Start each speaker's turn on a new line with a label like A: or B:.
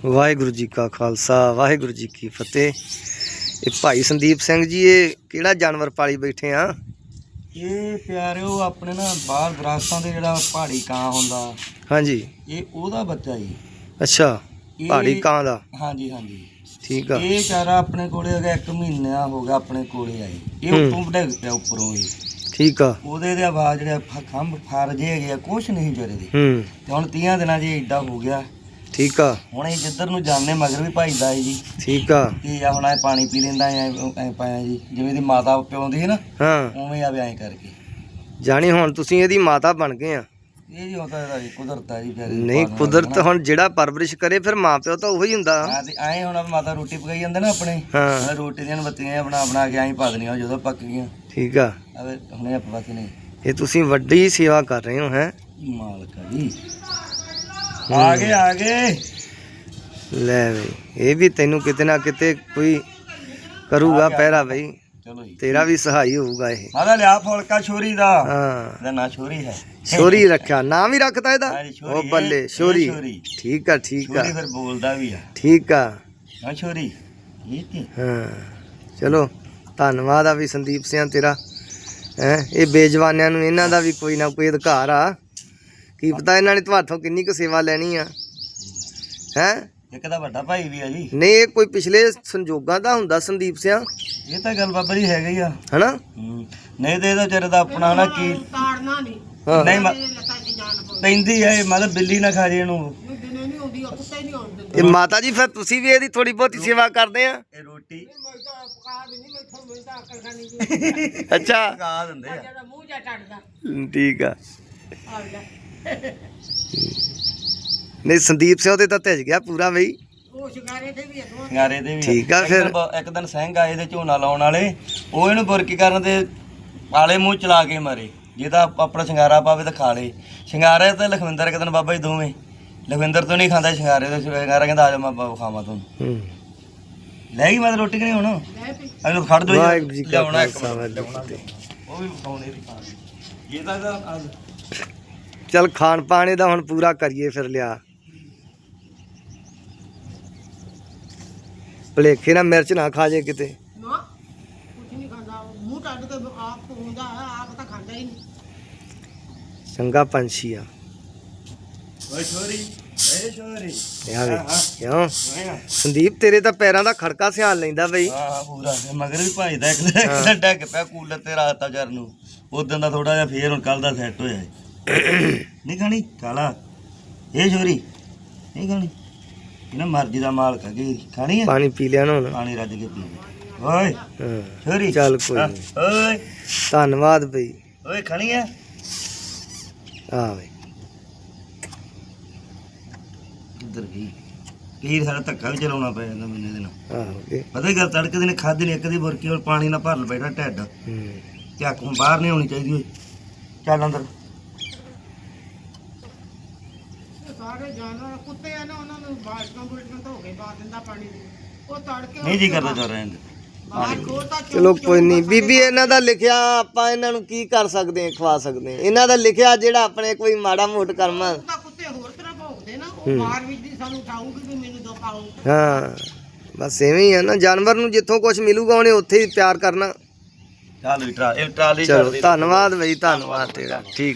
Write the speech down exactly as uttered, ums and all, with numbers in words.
A: वाहिगुरु जी का खालसा वाहिगुरु जी की फतेह। ये भाई संदीप सिंह जी ये किहड़ा जानवर पाली बैठे हाँ?
B: ये प्यारिओ अपने ना बाहर दरख्तां ते जिहड़ा पहाड़ी कां हुंदा
A: हाँ जी।
B: ये ओहदा बच्चा जी।
A: अच्छा पहाड़ी कां दा।
B: हाँ जी हाँ जी
A: ठीक है।
B: ये चारा अपने कोले हो गया एक महीना हो गया अपने कोले आए ये उतों डिग पिया उपरों ही।
A: ठीक है।
B: ਉਹਦੇ ਦੇ ਆਵਾਜ਼ ਜਿਹੜੇ ਖੰਭ ਫਰ ਜੇ ਹੈਗੇ ਆ ਕੁਛ ਨਹੀਂ ਵਿਚਾਰੇ ਦੇ
A: ਹੂੰ
B: ਤੇ ਹੁਣ ਤੀਆਂ ਦਿਨਾਂ ਜੀ ਏਡਾ ਹੋ ਗਿਆ।
A: ਠੀਕ ਆ।
B: ਹੁਣ ਇਹ ਜਿੱਧਰ ਨੂੰ ਜਾਂਦੇ ਮਗਰ ਵੀ ਭਜਦਾ ਹੈ ਜੀ।
A: ਠੀਕ ਆ।
B: ਕੀ ਆ ਹੁਣ ਐ ਪਾਣੀ ਪੀ ਲੈਂਦਾ ਐ ਐ ਪਾਇਆ ਜੀ ਜਿਵੇਂ ਦੀ ਮਾਤਾ ਪਿਉਂਦੀ ਹੈ ਨਾ
A: ਹਾਂ
B: ਉਵੇਂ ਆਵੇ ਐ ਕਰਕੇ
A: ਜਾਣੀ ਹੁਣ ਤੁਸੀਂ ਇਹਦੀ ਮਾਤਾ ਬਣ ਗਏ ਆ।
B: ਇਹ ਜੀ ਹੁੰਦਾ ਇਹਦਾ ਜੀ ਕੁਦਰਤ ਆ ਜੀ ਪਿਆਰੇ
A: ਨਹੀਂ ਕੁਦਰਤ ਹੁਣ ਜਿਹੜਾ ਪਰਵਰਿਸ਼ ਕਰੇ ਫਿਰ ਮਾਂ ਪਿਓ ਤਾਂ ਉਹੀ ਹੁੰਦਾ।
B: ਹਾਂ ਤੇ ਐ ਹੁਣ ਮਾਤਾ ਰੋਟੀ ਪਕਾਈ ਜਾਂਦੇ ਨਾ ਆਪਣੇ
A: ਹਾਂ
B: ਰੋਟੀ ਦੀਆਂ ਬੱਤੀਆਂ ਬਣਾ ਬਣਾ ਕੇ ਐਂ ਪਾ ਦੇਣੀਆਂ ਜਦੋਂ ਪੱਕ ਗਈਆਂ।
A: ਠੀਕ ਆ।
B: ਅਵੇ ਹੁਣੇ ਆਪਾਂ ਬਾਕੀ ਨਹੀਂ
A: ਇਹ ਤੁਸੀਂ ਵੱਡੀ ਸੇਵਾ ਕਰ ਰਹੇ ਹੋ ਹੈ
B: ਮਾਲਕਾ ਜੀ। ਆ ਗਏ ਆ ਗਏ
A: ਲੈ ਬਈ ਇਹ ਵੀ ਤੈਨੂੰ ਕਿਤੇ ਨਾ ਕਿਤੇ ਕੋਈ ਕਰੂਗਾ ਪਹਿਰਾ ਬਈ
B: ਚਲੋ ਜੀ
A: ਤੇਰਾ ਵੀ ਸਹਾਈ ਹੋਊਗਾ ਇਹ।
B: ਮਾਦਾ ਲਿਆ ਫੁਲਕਾ ਛੋਰੀ ਦਾ।
A: ਹਾਂ
B: ਇਹਦਾ ਨਾਂ ਛੋਰੀ ਹੈ।
A: ਸ਼ੋਰੀ ਰੱਖਿਆ ਨਾਮ ਹੀ ਰੱਖਤਾ ਇਹਦਾ।
B: ਹਾਂ ਜੀ, ਛੋਰੀ
A: ਉਹ
B: ਹੈ,
A: ਬੱਲੇ
B: ਇਹ
A: ਸ਼ੋਰੀ
B: ਛੋਰੀ।
A: ਠੀਕ ਆ ਠੀਕ ਆ
B: ਛੋਰੀ ਫਿਰ ਬੋਲਦਾ ਵੀ ਆ
A: ਠੀਕ ਆ।
B: ਹਾਂ ਛੋਰੀ ਇਹ ਤੇ
A: ਹਾਂ ਚਲੋ ਧੰਨਵਾਦ ਆ ਵੀ ਸੰਦੀਪ ਸਿੰਘ ਤੇਰਾ ਹੈ। ਇਹ ਬੇਜਵਾਨਿਆਂ ਨੂੰ ਇਹਨਾਂ ਦਾ ਵੀ ਕੋਈ ਨਾ ਕੋਈ ਅਧਿਕਾਰ ਆ। ਕੀ ਪਤਾ ਇਹਨਾਂ ਨੇ ਤੁਹਾਥੋਂ ਕਿੰਨੀ ਕੁ ਸੇਵਾ ਲੈਣੀ ਆ ਹੈ।
B: ਇੱਕ ਤਾਂ ਵੱਡਾ ਭਾਈ ਵੀ ਆ ਜੀ।
A: ਨਹੀਂ ਇਹ ਕੋਈ ਪਿਛਲੇ ਸੰਜੋਗਾਂ ਦਾ ਹੁੰਦਾ ਸੰਦੀਪ ਸਿੰਘ
B: ਇਹ ਤਾਂ ਗੱਲ ਬਾਬਾ ਜੀ ਹੈਗਾ ਹੀ ਆ
A: ਹਨਾ।
B: ਨਹੀਂ ਤੇ ਇਹਦਾ ਵਿਚਾਰੇ ਦਾ ਆਪਣਾ ਨਾ ਕੀ
C: ਤਾੜਨਾ ਨਹੀਂ
A: ਹਾਂ
B: ਨਹੀਂ ਮ-
C: ਲੱਤਾਂ 'ਚ ਜਾਨ ਪਾਉਂਦੀ
B: ਪੈਂਦੀ ਆ ਇਹ ਮਤਲਬ ਬਿੱਲੀ ਨਾ ਖਾ ਜੇ ਇਹਨੂੰ।
C: ਦਿਨੇ ਨਹੀਂ ਆਉਂਦੀ ਉਹ ਕੁੱਤੇ ਨਹੀਂ ਆਉਂਦੇ
A: ਇਹ ਮਾਤਾ ਜੀ ਫਿਰ ਤੁਸੀਂ ਵੀ ਇਹਦੀ ਥੋੜੀ ਬਹੁਤੀ ਸੇਵਾ ਕਰਦੇ ਆ।
B: ਇਹ ਰੋਟੀ
C: ਮੈਂ ਤਾਂ ਪਕਾ ਵੀ ਨਹੀਂ ਮੈਥੋਂ ਮੈਂ ਤਾਂ ਅਕਲ ਖਾਣੀ ਜੀ
A: ਅੱਛਾ
B: ਖਾ ਦਿੰਦੇ ਆ।
C: ਜਿਹੜਾ ਮੂੰਹ ਜਾ ਟੱਟਦਾ
A: ਠੀਕ ਆ।
C: ਆ ਲੈ
A: ਨਹੀਂ ਸੰਦੀਪ ਸਿੰਘ ਤੇ ਤਾਂ ਭਿੱਜ ਗਿਆ ਪੂਰਾ ਬਈ।
C: ਉਹ ਸ਼ਿਕਾਰੇ ਤੇ ਵੀ ਅਗਵਾ
B: ਸ਼ਿੰਗਾਰੇ ਦੇ ਵੀ
A: ਠੀਕ ਆ
B: ਇੱਕ
A: ਫਿਰ।
B: ਦਿਨ ਬ- ਇੱਕ ਦਿਨ ਸਿੰਘ ਆਏ ਤੇ ਝੋਨਾ ਲਾਉਣ ਵਾਲੇ ਉਹ ਇਹਨੂੰ ਬੁਰਕੀ ਕਰਨ ਤੇ ਆਲੇ ਮੂੰਹ ਚਲਾ ਕੇ ਮਾਰੇ। ਜੇ ਤਾਂ ਆਪਣਾ ਸ਼ਿੰਗਾਰਾ ਪਾਵੇ ਤਾਂ ਖਾ ਲੇ। ਸ਼ਿੰਗਾਰੇ ਤੇ ਲਖਵਿੰਦਰ ਇੱਕ ਦਿਨ ਬਾਬਾ ਜੀ ਦੋਵੇਂ ਲਖਵਿੰਦਰ ਤੋਂ ਨਹੀਂ ਖਾਂਦਾ ਸ਼ਿੰਗਾਰੇ ਤੇ ਸ਼ਿੰਗਾਰਾ ਕਹਿੰਦਾ ਆ ਜਾ ਮੈਂ ਬ- ਖਾਵਾਂ ਤੁਹਾਨੂੰ।
A: ਹੂੰ
B: ਲੈ ਗਈ ਮੈਂ ਤਾਂ ਰੋਟੀ ਕਿ ਨਹੀਂ ਹੁਣ
C: ਲੈ ਪਈ
B: ਇਹਨੂੰ ਖੜ ਦੋ
A: ਵਾਹਿਗੁਰੂ ਜੀ ਕਾ
B: ਲਿਆਉਣਾ ਇੱਕ
A: ਖਾਲਸਾ
B: ਮਿੰਟ,
A: ਵਾਹਿਗੁਰੂ
B: ਲਿਆਉਣਾ
A: ਜੀ ਕੀ ਫਤਿਹ।
B: ਉਹ ਵੀ ਖਾਉਣੇ ਦੀ ਖਾ ਲਈ। ਇਹ ਤਾਂ ਇਹਦਾ ਅੱਜ
A: ਚੱਲ ਖਾਣ ਪਾਣੇ ਦਾ ਹੁਣ ਪੂਰਾ ਕਰੀਏ ਫਿਰ ਲਿਆ। ਭਲੇਖੇ ਨਾਲ ਮਿਰਚ ਨਾ ਖਾ ਜੇ ਕਿਤੇ।
C: ਨਾ ਕੁਝ ਨਹੀਂ ਖਾਂਦਾ ਉਹ ਮੂੰਹ ਟੱਟ ਕੇ ਆਪ ਹੁੰਦਾ ਆਪ ਤਾਂ ਖਾਂਦਾ ਹੀ ਨਹੀਂ
A: ਚੰਗਾ ਪੰਛੀ ਆ।
B: ਓਏ ਛੋਰੀ ਓਏ ਛੋਰੀ
A: ਆ ਵੇ
B: ਹਾਂ, ਹਾਂ।
A: ਕਿਉਂ
B: ਹਾਂ
A: ਸੰਦੀਪ ਤੇਰੇ ਤਾਂ ਪੈਰਾਂ ਦਾ ਖੜਕਾ ਸਿਆਣ ਲੈਂਦਾ ਬਈ।
B: ਹਾਂ ਪੂਰਾ ਤੇ ਮਗਰ ਵੀ ਭਜਦਾ ਇੱਕ ਦਿਨ- ਇੱਕ ਦਿਨ ਡੱਗ ਪਿਆ ਕੂਲਰ ਤੇ ਰਾਤ ਆ ਜਰ ਨੂੰ ਉਦੋਂ ਦਾ ਥੋੜਾ ਜਿਹਾ ਫੇਰ ਹੁਣ ਕੱਲ ਦਾ ਸੈੱਟ ਹੋਇਆ ਹੈ। ਨਹੀਂ ਖਾਣੀ ਕਾਲਾ ਇਹ ਛੋਰੀ ਨਹੀਂ ਖਾਣੀ ਇਹਨਾਂ ਮਰਜ਼ੀ ਦਾ ਮਾਲਕ ਹੈ ਕਿ ਖਾਣੀ ਹੈ।
A: ਪਾਣੀ ਪੀ ਲਿਆ ਨਾ ਹੁਣ।
B: ਪਾਣੀ ਰੱਜ ਕੇ ਪੀ ਓਏ
A: ਹਾਂ
B: ਛੋਰੀ
A: ਚੱਲ ਕੋਈ
B: ਹਾਂ,
A: ਨਹੀਂ
B: ਓਏ
A: ਧੰਨਵਾਦ ਬਈ।
B: ਓਏ ਖਾਣੀ ਹੈ
A: ਆ ਵੇ
B: ਇੱਧਰ ਗਈ ਕੀ ਸਾਰਾ ਧੱਕਾ ਵੀ ਚਲਾਉਣਾ ਪੈ ਜਾਂਦਾ ਮੈਨੂੰ ਇਹਦੇ ਨਾਲ।
A: ਆਹੋ ਇਹ,
B: ਪਤਾ ਹੀ ਗੱਲ ਤੜਕੇ ਦਿਨ ਖਾਧੀ ਨੇ ਇੱਕ ਦੀ ਬੁਰਕੀ ਔਰ ਪਾਣੀ ਨਾਲ ਭਰ ਬੈਠਾ ਢਿੱਡ
A: ਹੂੰ
B: ਤੇ ਅੱਖ ਨੂੰ ਬਾਹਰ ਨਹੀਂ ਆਉਣੀ ਚਾਹੀਦੀ ਓਏ ਚੱਲ ਅੰਦਰ
C: ਇਹ ਸਾਰੇ ਜਾਨਵਰ ਕੁੱਤੇ ਆ ਨਾ ਉਹਨਾਂ ਨੂੰ ਬਾਲਟਾਂ ਬੁਲਟਾਂ ਧੋ ਕੇ ਪਾ ਦਿੰਦਾ ਪਾਣੀ ਦੇ ਉਹ ਤੜਕੇ
B: ਨਹੀਂ ਜੀ ਕਰਦਾ ਚੱਲ ਰਹਿਣ ਦੇ
C: ਬਾਹਰ ਖੋਲਤਾ
A: ਚਲੋ ਕੋਈ ਨਹੀਂ ਬੀਬੀ ਇਹਨਾਂ ਦਾ ਲਿਖਿਆ ਆਪਾਂ ਇਹਨਾਂ ਨੂੰ ਕੀ ਕਰ ਸਕਦੇ ਹਾਂ ਖਵਾ ਸਕਦੇ ਹਾਂ। ਇਹਨਾਂ ਦਾ ਲਿਖਿਆ ਜਿਹੜਾ ਆਪਣੇ ਕੋਈ ਮਾੜਾ ਮੋਟ ਕਰਮ ਆ।
C: ਤਾਂ ਕੁੱਤੇ ਹੋਰ ਤਰ੍ਹਾਂ ਭੌਂਕਦੇ ਨਾ ਉਹ ਬਾਹਰ ਵਿੱਚ ਦੀ ਸਾਨੂੰ ਉਠਾਊਗੀ ਵੀ ਮੈਨੂੰ ਦੋ ਪਾਓ
A: ਹਾਂ ਬਸ ਐਵੇਂ ਹੀ ਆ ਨਾ ਜਾਨਵਰ ਨੂੰ ਜਿੱਥੋਂ ਕੁਝ ਮਿਲੂਗਾ ਉਹਨੇ ਉੱਥੇ ਹੀ ਪਿਆਰ ਕਰਨਾ।
B: ਚੱਲ ਵੀ ਟਰਾ ਇਹ ਟਰਾਲੀ
A: ਚਲੋ
B: ਛੱਡ ਦੇ
A: ਧੰਨਵਾਦ ਬਈ ਧੰਨਵਾਦ ਤੇਰਾ ਠੀਕ।